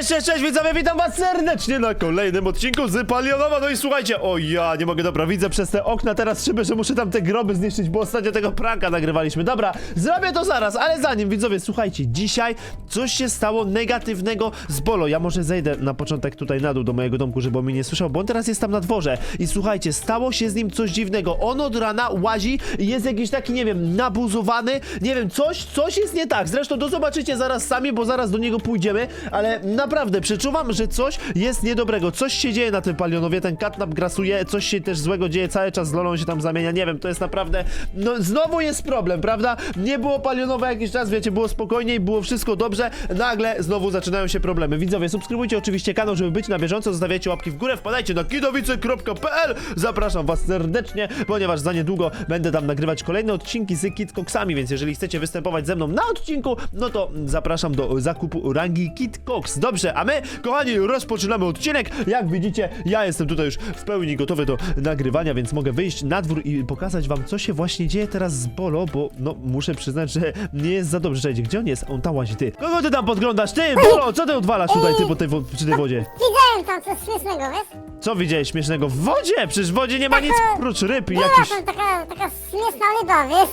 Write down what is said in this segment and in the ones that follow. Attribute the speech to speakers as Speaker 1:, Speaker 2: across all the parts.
Speaker 1: Cześć widzowie, witam was serdecznie na kolejnym odcinku z Palionowa. No i słuchajcie, o ja nie mogę, dobra, widzę przez te okna teraz szyby, że muszę tam te groby zniszczyć, bo ostatnio tego pranka nagrywaliśmy. Dobra, zrobię to zaraz, ale zanim, widzowie, słuchajcie, dzisiaj coś się stało negatywnego z Bolo. Ja może zejdę na początek tutaj na dół do mojego domku, żeby on mnie nie słyszał, bo on teraz jest tam na dworze. I słuchajcie, stało się z nim coś dziwnego. On od rana łazi i jest jakiś taki, nie wiem, nabuzowany, nie wiem, coś jest nie tak. Zresztą to zobaczycie zaraz sami, bo zaraz do niego pójdziemy, ale naprawdę przeczuwam, że coś jest niedobrego. Coś się dzieje na tym Palionowie, ten katnap grasuje, coś się też złego dzieje, cały czas z Lolą się tam zamienia, nie wiem, to jest naprawdę, no znowu jest problem, prawda? Nie było Palionowa jakiś czas, wiecie, było spokojniej, było wszystko dobrze, nagle znowu zaczynają się problemy. Widzowie, subskrybujcie oczywiście kanał, żeby być na bieżąco, zostawiajcie łapki w górę, wpadajcie na kidowice.pl. Zapraszam was serdecznie, ponieważ za niedługo będę tam nagrywać kolejne odcinki z Kid Coxami, więc jeżeli chcecie występować ze mną na odcinku, no to zapraszam do zakupu rangi Kid Cox. Dobrze, a my, kochani, rozpoczynamy odcinek. Jak widzicie, ja jestem tutaj już w pełni gotowy do nagrywania, więc mogę wyjść na dwór i pokazać wam, co się właśnie dzieje teraz z Bolo, bo no, muszę przyznać, że nie jest za dobrze. Czekajcie, gdzie on jest? On tam łazi, ty. Kogo ty tam podglądasz? Ty, Bolo, co ty odwalasz tutaj, ty, przy tej wodzie?
Speaker 2: Widziałem tam coś śmiesznego, wiesz?
Speaker 1: Co widziałeś śmiesznego? W wodzie! Przecież w wodzie nie ma nic prócz ryb i
Speaker 2: Była
Speaker 1: jakiś...
Speaker 2: tam taka śmieszna ryba, wiesz?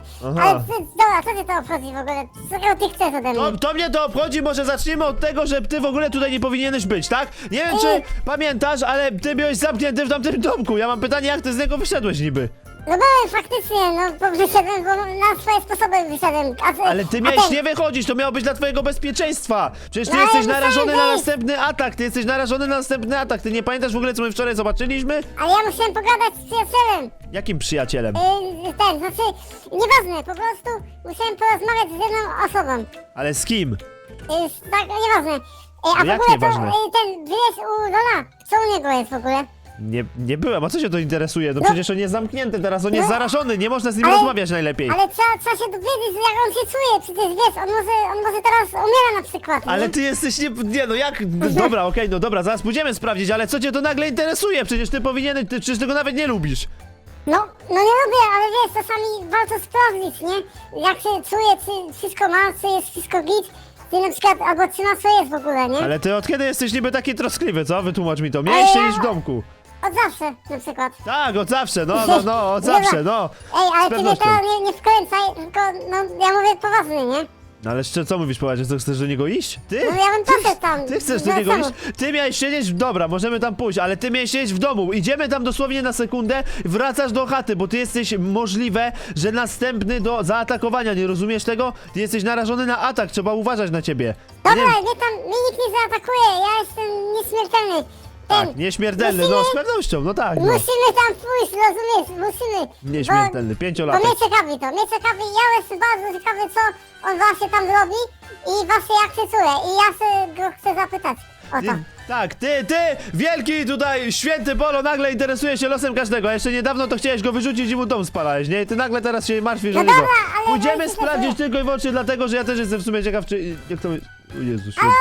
Speaker 2: Ale ty, dobra, co cię to obchodzi w ogóle? Czego ty chcesz ode mnie?
Speaker 1: To mnie to obchodzi, może zacznijmy od tego, że ty w ogóle tutaj nie powinieneś być, tak? Nie wiem, czy pamiętasz, ale ty byłeś zamknięty w tamtym domku. Ja mam pytanie, jak ty z niego wyszedłeś niby?
Speaker 2: No byłem faktycznie, no bo wyszedłem, bo na swoje sposoby wyszedłem.
Speaker 1: Ale ty miałeś nie wychodzić, to miało być dla twojego bezpieczeństwa. Przecież ty
Speaker 2: No,
Speaker 1: jesteś
Speaker 2: ale
Speaker 1: narażony na
Speaker 2: musiałem
Speaker 1: następny atak, ty jesteś narażony na następny atak. Ty nie pamiętasz w ogóle, co my wczoraj zobaczyliśmy?
Speaker 2: Ale ja musiałem pogadać z przyjacielem.
Speaker 1: Jakim przyjacielem?
Speaker 2: Znaczy, nieważne, po prostu musiałem porozmawiać z jedną osobą.
Speaker 1: Ale z kim?
Speaker 2: Tak, nieważne. A w
Speaker 1: jak
Speaker 2: ogóle
Speaker 1: nieważne?
Speaker 2: to, ten, wiesz, u Lola, co u niego jest w ogóle?
Speaker 1: Nie byłem, a co się to interesuje? No przecież on jest zamknięty teraz, on jest zarażony, nie można z nim
Speaker 2: ale-
Speaker 1: rozmawiać najlepiej.
Speaker 2: Ale trzeba się dowiedzieć, jak on się czuje, przecież wiesz, on może teraz umiera na przykład, nie?
Speaker 1: Ale ty jesteś nie no jak... Dobra, okej, no dobra, zaraz pójdziemy sprawdzić, ale co cię to nagle interesuje? Przecież ty powinieneś, ty przecież tego nawet nie lubisz.
Speaker 2: No nie lubię, ale wiesz, czasami warto sprawdzić, nie? Jak się czuje, czy wszystko ma, czy jest wszystko git, czy na przykład, albo czy na co jest w ogóle, nie?
Speaker 1: Ale ty od kiedy jesteś niby taki troskliwy, co? Wytłumacz mi to. Miałeś siedzieć w domku.
Speaker 2: Od zawsze, na przykład.
Speaker 1: Tak, od zawsze, no, od zawsze, no.
Speaker 2: Ej,
Speaker 1: Z
Speaker 2: ale ty mnie
Speaker 1: pewnością.
Speaker 2: teraz nie wkręcaj, tylko, no, ja mówię poważnie, nie?
Speaker 1: No ale jeszcze co mówisz, poważnie, co chcesz do niego iść? Ty?
Speaker 2: No ja bym poszedł tam.
Speaker 1: Ty chcesz
Speaker 2: no
Speaker 1: do niego
Speaker 2: czemu?
Speaker 1: iść? Ty miałeś siedzieć, dobra, możemy tam pójść, ale ty miałeś siedzieć w domu. Idziemy tam dosłownie na sekundę, wracasz do chaty, bo ty jesteś możliwe, że następny do zaatakowania, nie rozumiesz tego? Ty jesteś narażony na atak, trzeba uważać na ciebie. Ja
Speaker 2: Dobra,
Speaker 1: nie wiem,
Speaker 2: mnie nikt nie zaatakuje, ja jestem nieśmiertelny.
Speaker 1: tak, nieśmiertelny, no z pewnością, no tak, no.
Speaker 2: Musimy tam pójść, rozumiesz? Musimy.
Speaker 1: Nieśmiertelny,
Speaker 2: Bo
Speaker 1: pięciolatek.
Speaker 2: mnie ciekawi to, ja jestem bardzo ciekawy, co on właśnie tam robi i właśnie jak się czuje. I ja się go chcę zapytać o to.
Speaker 1: Tak, ty, wielki tutaj święty Bolo nagle interesuje się losem każdego, a jeszcze niedawno to chciałeś go wyrzucić i mu dom spalałeś, nie? Ty nagle teraz się martwisz o
Speaker 2: No
Speaker 1: niego.
Speaker 2: dobra, ale
Speaker 1: Pójdziemy
Speaker 2: weź się
Speaker 1: sprawdzić
Speaker 2: sobie-
Speaker 1: tylko i wyłącznie dlatego, że ja też jestem w sumie ciekaw, czy... Jak to... O Jezu święty.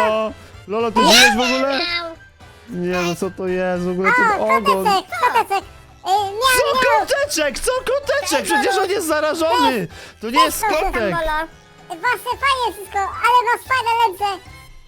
Speaker 1: Lolo, ty żyjesz w ogóle? Nie, no co to jest w ogóle ten
Speaker 2: O,
Speaker 1: ogon?
Speaker 2: koteczek.
Speaker 1: Co
Speaker 2: Miał.
Speaker 1: koteczek? Co koteczek? Przecież on jest zarażony! To nie jest kotek!
Speaker 2: Właśnie fajnie wszystko, ale masz fajne ręce.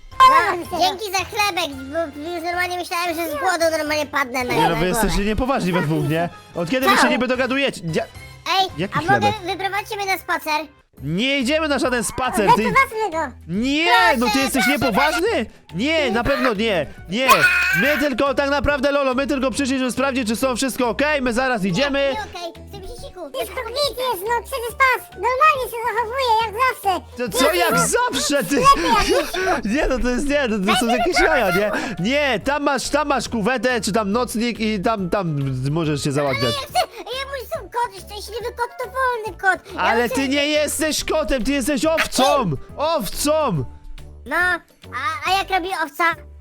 Speaker 3: Dzięki za chlebek, bo już normalnie myślałem, że z głodu normalnie padnę na
Speaker 1: Nie no, wy
Speaker 3: głowę.
Speaker 1: jesteście niepoważni we dwóch, nie? Od kiedy wy się niby dogadujecie?
Speaker 3: Ej,
Speaker 1: Jaki
Speaker 3: a mogę
Speaker 1: chlebek?
Speaker 3: wyprowadzić mnie na spacer?
Speaker 1: Nie idziemy na żaden spacer, ty...
Speaker 2: Zobaczmy go.
Speaker 1: Nie, no ty jesteś niepoważny? Nie, na pewno nie, nie. My tylko, tak naprawdę, Lolo, my tylko przyszliśmy sprawdzić, czy są wszystko okej, my zaraz idziemy.
Speaker 3: Nie, okej, chcę mi się siku.
Speaker 2: Wszystko git jest, no przecież pas. Normalnie się zachowuje, jak zawsze.
Speaker 1: To co jak zawsze, ty? Nie, no to jest, nie, no to są jakieś jaja, nie? Nie, tam masz kuwetę, czy tam nocnik i tam możesz się załatwiać.
Speaker 3: Ja mój są kot, szczęśliwy kot to wolny kot. Ja
Speaker 1: Ale
Speaker 3: chcę-
Speaker 1: ty nie jesteś kotem, ty jesteś owcą! Owcą!
Speaker 3: No, a jak robi owca?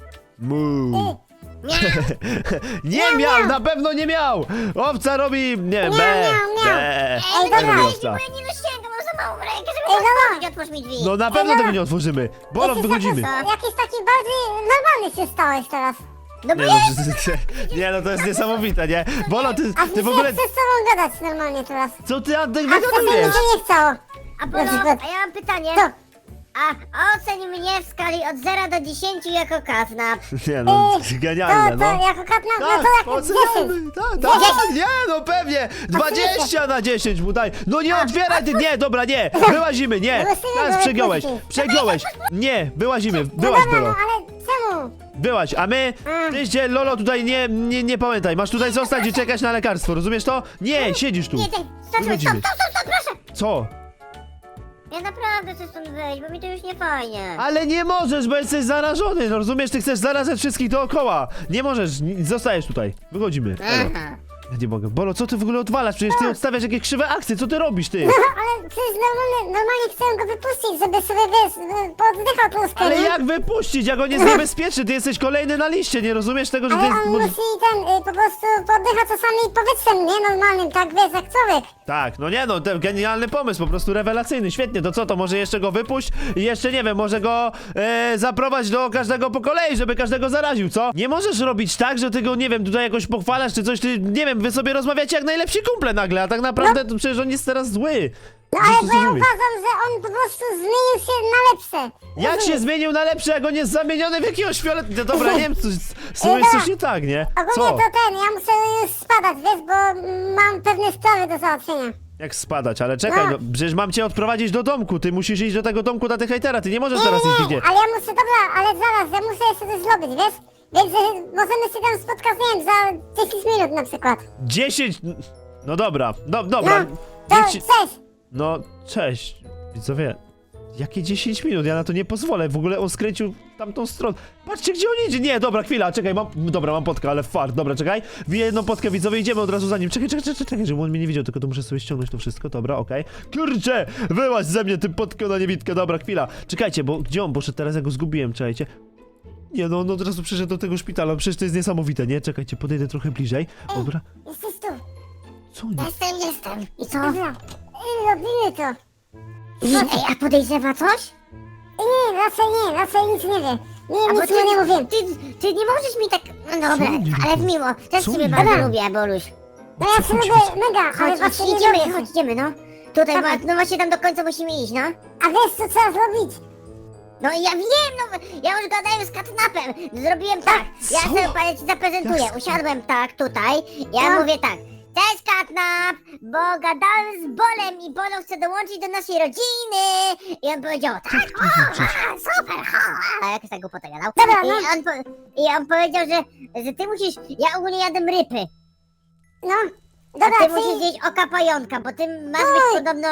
Speaker 1: Mu.
Speaker 3: Nie.
Speaker 1: Nie miał, na pewno nie miał! Owca robi, nie wiem, be.
Speaker 2: Ej,
Speaker 1: Tak
Speaker 2: dobra.
Speaker 1: robi
Speaker 3: Bo
Speaker 1: owca.
Speaker 3: ja nie dosięgam, mam za małą rękę, żeby
Speaker 2: Ej, dobra.
Speaker 3: otworzyć, otwórz mi drzwi.
Speaker 1: No na pewno tego nie otworzymy. Bolo, wychodzimy.
Speaker 2: Jakiś taki bardziej normalny się stałeś teraz.
Speaker 3: No bo
Speaker 1: Nie no, nie no, to jest niesamowite, nie? Bolo, ty w ogóle...
Speaker 2: chcę z tobą gadać normalnie teraz.
Speaker 1: Co ty, Antek,
Speaker 2: A wcześniej mi
Speaker 1: wygadujesz?
Speaker 2: się nie chciało.
Speaker 3: A Bolo,
Speaker 2: Na przykład.
Speaker 3: a ja mam pytanie.
Speaker 2: Co?
Speaker 3: A oceń mnie w skali od 0 do 10 jako katnap.
Speaker 1: Nie no, genialne,
Speaker 2: To
Speaker 1: no.
Speaker 2: jako katnap, no
Speaker 1: Tak,
Speaker 2: to jak 10.
Speaker 1: oceniamy, tak, nie, no pewnie, 20 na 10 mu daj, no nie otwieraj ty, nie, dobra, nie, wyłazimy, nie, teraz przegiąłeś, nie, wyłazimy,
Speaker 2: No
Speaker 1: wyłaź,
Speaker 2: dobra, no
Speaker 1: Bolo,
Speaker 2: ale czemu?
Speaker 1: wyłaź, a my, ty się, Lolo, tutaj nie pamiętaj, masz tutaj zostać i czekać na lekarstwo, rozumiesz to? Nie, siedzisz tu,
Speaker 3: Nie, stop,
Speaker 1: Wychodzimy.
Speaker 3: proszę.
Speaker 1: co?
Speaker 3: Ja naprawdę chcę stąd wyjść, bo mi to już nie fajnie.
Speaker 1: Ale nie możesz, bo jesteś zarażony, no rozumiesz, ty chcesz zarażać wszystkich dookoła, nie możesz, zostajesz tutaj, wychodzimy, Bolo.
Speaker 3: Aha.
Speaker 1: Ja nie mogę. Bolo, co ty w ogóle odwalasz? Przecież ty odstawiasz jakieś krzywe akcje, co ty robisz, ty?
Speaker 2: No ale przecież normalnie chcę go wypuścić, żeby sobie, wiesz, poddychał tłuskę,
Speaker 1: Ale
Speaker 2: nie?
Speaker 1: jak wypuścić, jak on jest niebezpieczny? Ty jesteś kolejny na liście, nie rozumiesz tego, że ty
Speaker 2: Ale
Speaker 1: jest...
Speaker 2: on musi po prostu poddycha czasami powietrzem, nie? Normalnym, tak wiesz, jak człowiek.
Speaker 1: Tak, no nie no, ten genialny pomysł, po prostu rewelacyjny, świetnie, to co, to może jeszcze go wypuść i jeszcze, nie wiem, może go zaprowadź do każdego po kolei, żeby każdego zaraził, co? Nie możesz robić tak, że ty go, nie wiem, tutaj jakoś pochwalasz czy coś, ty, nie wiem, wy sobie rozmawiacie jak najlepsi kumple nagle, a tak naprawdę to przecież on jest teraz zły.
Speaker 2: No
Speaker 1: Musisz
Speaker 2: ale
Speaker 1: to
Speaker 2: bo ja
Speaker 1: zrozumieć.
Speaker 2: uważam, że on po prostu zmienił się na lepsze.
Speaker 1: Jak się zmienił na lepsze, jak on jest zamieniony w jakiegoś fiolet... Dobra, nie wiem, z tym jest coś nie tak, nie?
Speaker 2: Ogólnie
Speaker 1: Co?
Speaker 2: to ja muszę już spadać, wiesz, bo mam pewne sprawy do załatwienia.
Speaker 1: Jak spadać, ale czekaj, no przecież mam cię odprowadzić do domku, ty musisz iść do tego domku na tych hejtera, ty nie możesz teraz iść nigdzie.
Speaker 2: ale ja muszę, dobra, ale zaraz, ja muszę jeszcze coś zrobić, wiesz? Więc możemy się tam spotkać, nie wiem, za 10 minut na przykład.
Speaker 1: 10... No dobra, dobra.
Speaker 2: No, to
Speaker 1: niech ci-
Speaker 2: cześć.
Speaker 1: No, cześć, widzowie. Jakie 10 minut? Ja na to nie pozwolę. W ogóle on skręcił w tamtą stronę. Patrzcie, gdzie on idzie. Nie, dobra, chwila, czekaj, mam potkę, ale fart. Dobra, czekaj. Wiję jedną potkę, widzowie, idziemy od razu za nim. Czekaj, żeby on mnie nie widział, tylko to muszę sobie ściągnąć to wszystko. Dobra, okej. Kurczę, wyłaź ze mnie, ty potkę na niewidkę. Dobra, chwila. Czekajcie, bo gdzie on poszedł teraz? Ja go zgubiłem, czekajcie. Nie, no on od razu przyszedł do tego szpitala. Przecież to jest niesamowite, nie? Czekajcie, podejdę trochę bliżej. Dobra.
Speaker 2: Jesteś tu.
Speaker 1: Co nie?
Speaker 3: Jestem. I co?
Speaker 2: Dobra. Robimy to.
Speaker 3: Ej, a podejrzewa coś?
Speaker 2: Nie, raczej nic nie wie.
Speaker 3: A bo
Speaker 2: Nic mu nie mówię.
Speaker 3: Ty nie możesz mi tak... No dobra,
Speaker 1: Co nie
Speaker 3: ale
Speaker 1: robię?
Speaker 3: miło. Też
Speaker 1: Co
Speaker 3: ciebie
Speaker 1: nie
Speaker 3: bardzo
Speaker 1: robię?
Speaker 3: lubię, Boluś.
Speaker 2: No ja się
Speaker 1: chodź,
Speaker 2: lubię mega, ale
Speaker 3: Chodź,
Speaker 2: właśnie nie
Speaker 3: idziemy,
Speaker 2: lubię.
Speaker 3: idziemy, no. Tutaj,
Speaker 2: Dawaj.
Speaker 3: no właśnie tam do końca musimy iść, no.
Speaker 2: A wiesz co trzeba zrobić?
Speaker 3: No ja wiem, no ja już gadałem z katnapem. Zrobiłem tak. Ja
Speaker 1: Co?
Speaker 3: sobie panie ci zaprezentuję.
Speaker 1: Jasne.
Speaker 3: Usiadłem tak tutaj. Ja
Speaker 2: No.
Speaker 3: mówię tak. Cześć katnap, bo gadałem z Bolem i Bolo chce dołączyć do naszej rodziny. I on powiedział tak, o, super, a jak tak głupotę gadał.
Speaker 2: Dobra, no.
Speaker 3: I on powiedział, że ty musisz, ja ogólnie jadłem rypy.
Speaker 2: No,
Speaker 3: A
Speaker 2: dobra,
Speaker 3: ty
Speaker 2: czyli...
Speaker 3: musisz zjeść oka pająka, bo ty masz być podobno...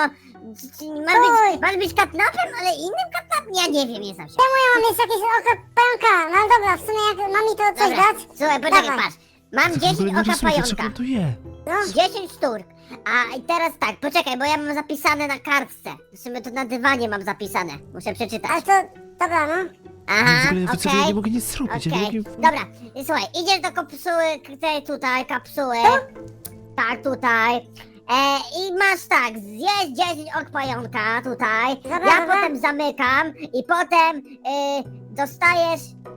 Speaker 3: Masz być katnapem, ale innym katnapem? Ja nie wiem, nie znam się.
Speaker 2: Czemu ja mam jeszcze jakieś oko pająka? No dobra, w sumie jak ma mi to coś
Speaker 3: Dobra,
Speaker 2: dać?
Speaker 3: słuchaj, poczekaj,
Speaker 2: Dawaj.
Speaker 3: patrz. Mam
Speaker 1: Ty w ogóle
Speaker 3: 10
Speaker 1: nie
Speaker 3: oka
Speaker 1: rozumiecie, co
Speaker 3: pająka.
Speaker 1: on tu je.
Speaker 2: No,
Speaker 3: 10 sztuk. A i teraz tak, poczekaj, bo ja mam zapisane na kartce. W sumie to na dywanie mam zapisane. Muszę
Speaker 2: ale
Speaker 3: przeczytać.
Speaker 2: to... Dobra, no.
Speaker 1: W
Speaker 3: Aha,
Speaker 1: ogóle ja
Speaker 3: okej.
Speaker 1: nie mogę nic zrobić. Ja nie
Speaker 3: Okej,
Speaker 1: mogę...
Speaker 3: dobra, słuchaj, idziesz do kapsuły, tej tutaj, kapsuły. Tak, tutaj. I masz tak, zjeść 10 ok pająka tutaj.
Speaker 2: Dobra,
Speaker 3: Ja
Speaker 2: dobra.
Speaker 3: potem zamykam i potem dostajesz...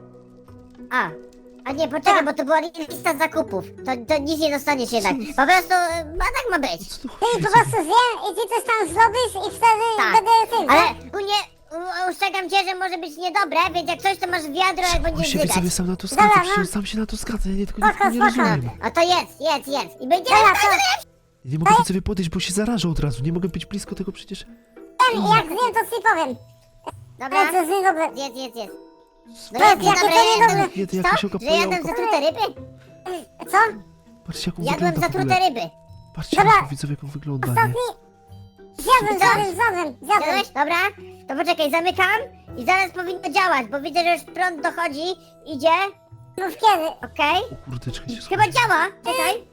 Speaker 3: A nie, poczekaj,
Speaker 2: Tak.
Speaker 3: bo to była lista zakupów. To nic nie dostaniesz jednak. Po prostu, tak ma być.
Speaker 1: Co tu
Speaker 2: Ty
Speaker 1: chodzi?
Speaker 2: po prostu zjem i ty coś tam zrobisz i wtedy
Speaker 3: Tak.
Speaker 2: będę tym,
Speaker 3: Ale
Speaker 2: tak?
Speaker 3: ogólnie ustrzegam cię, że może być niedobre, więc jak coś to masz wiadro, jak
Speaker 1: On
Speaker 3: będziesz
Speaker 1: się
Speaker 3: zygać.
Speaker 1: sobie sam na to zgadza,
Speaker 2: Dobra,
Speaker 1: przecież
Speaker 2: no.
Speaker 1: on sam się na to zgadza, ja nie tylko
Speaker 2: Spoko,
Speaker 1: nie
Speaker 2: spoko.
Speaker 1: rozumiem.
Speaker 3: No to jedz. I będziemy...
Speaker 2: Dobra, to...
Speaker 1: Ja nie mogę sobie podejść, bo się zarażę od razu, nie mogę być blisko tego przecież.
Speaker 2: Ten, jak zjem, to ci powiem.
Speaker 3: Dobra?
Speaker 2: Ale to jest niedobre.
Speaker 3: Jedz. No
Speaker 2: To
Speaker 3: jest
Speaker 2: jest jakie
Speaker 3: dobre,
Speaker 2: to niedobre.
Speaker 3: jadłem...
Speaker 1: Jedy jakieś
Speaker 3: Co?
Speaker 1: oka
Speaker 3: Że jadłem
Speaker 1: pająka.
Speaker 3: zatrute ryby?
Speaker 2: Co?
Speaker 1: Patrzcie jak on
Speaker 3: Jadłem
Speaker 1: wygląda w
Speaker 3: zatrute
Speaker 1: ogóle.
Speaker 3: ryby.
Speaker 1: Patrzcie
Speaker 2: Dobra.
Speaker 1: jak widzowie jak on wygląda, nie?
Speaker 2: Ostatni... Zjadłem.
Speaker 3: Jadłeś? Dobra. To poczekaj, zamykam i zaraz powinno działać, bo widzę, że już prąd dochodzi. Idzie.
Speaker 2: Mów kiedy.
Speaker 3: Okej.
Speaker 1: O kurde, czekajcie,
Speaker 3: Chyba działa. Czekaj.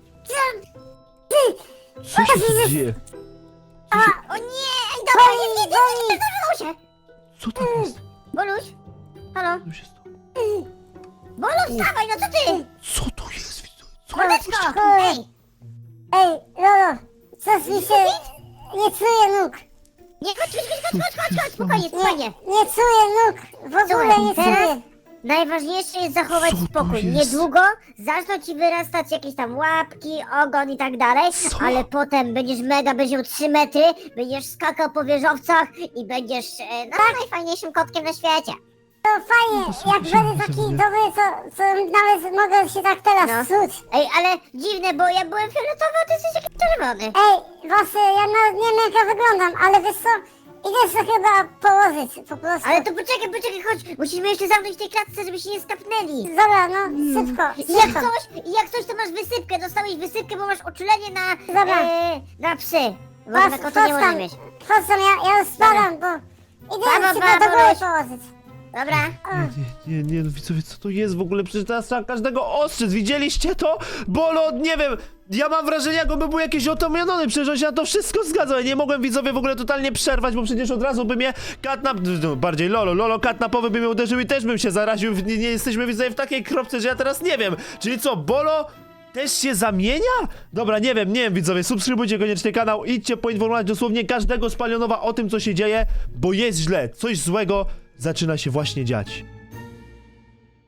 Speaker 1: co się tu dzieje?
Speaker 3: O nie! Ej, dobra, nie, zdarzyło się.
Speaker 1: Co tam jest?
Speaker 3: Boluś? Halo?
Speaker 1: Co się stało?
Speaker 3: Boluś, wstawaj, no co ty?
Speaker 1: Co to jest, widzowie? Co?
Speaker 3: Boleczko! Ej!
Speaker 2: Ej, Lolo, coś mi się... Nie czuję nóg.
Speaker 3: Nie, chodź, spokojnie.
Speaker 2: Nie czuję nóg. W ogóle
Speaker 3: Słuchaj,
Speaker 2: nie
Speaker 3: teraz-
Speaker 2: czuję.
Speaker 3: najważniejsze jest zachować
Speaker 1: Co to
Speaker 3: spokój.
Speaker 1: jest?
Speaker 3: Niedługo zaczną ci wyrastać jakieś tam łapki, ogon i tak dalej,
Speaker 1: Co?
Speaker 3: ale potem będziesz będziesz miał 3 metry, będziesz skakał po wieżowcach i będziesz najfajniejszym kotkiem na świecie.
Speaker 2: To fajnie,
Speaker 1: to są
Speaker 2: jak
Speaker 1: jakieś
Speaker 2: będę taki
Speaker 1: niemożliwe.
Speaker 2: dobry, to nawet mogę się tak teraz
Speaker 3: No.
Speaker 2: czuć.
Speaker 3: Ej, ale dziwne, bo ja byłem fioletowy, a ty jesteś jakiś czerwony.
Speaker 2: Ej, właśnie, ja nawet nie wiem jak ja wyglądam, ale wiesz co, idę się chyba położyć, po prostu.
Speaker 3: Ale to poczekaj, chodź, musimy jeszcze zamknąć w tej klatce, żeby się nie skapnęli.
Speaker 2: Dobra, no, szybko,
Speaker 3: I jak
Speaker 2: szybko.
Speaker 3: coś, to masz wysypkę, dostałeś wysypkę, bo masz uczulenie
Speaker 2: Dobra.
Speaker 3: na psy. Bo
Speaker 2: Chodź,
Speaker 3: na kota
Speaker 2: chodź
Speaker 3: nie
Speaker 2: tam,
Speaker 3: może mieć.
Speaker 2: chodź tam, ja już spadam, bo idę
Speaker 3: Dobra,
Speaker 2: się do góry
Speaker 3: Boruś.
Speaker 2: położyć.
Speaker 3: Dobra.
Speaker 2: O.
Speaker 1: Nie, no widzowie, co to jest w ogóle? Przecież teraz trzeba każdego ostrzec, widzieliście to? Bolo, nie wiem, ja mam wrażenie, jakby był jakiś otomiony, przecież on się na to wszystko zgadza. Ja nie mogłem, widzowie, w ogóle totalnie przerwać, bo przecież od razu by mnie Katnap, no, bardziej Lolo Katnapowy by mnie uderzył i też bym się zaraził. Nie jesteśmy, widzowie, w takiej kropce, że ja teraz nie wiem. Czyli co, Bolo też się zamienia? Dobra, nie wiem, widzowie, subskrybujcie koniecznie kanał, idźcie poinformować dosłownie każdego z Palionowa o tym, co się dzieje, bo jest źle, coś złego zaczyna się właśnie dziać.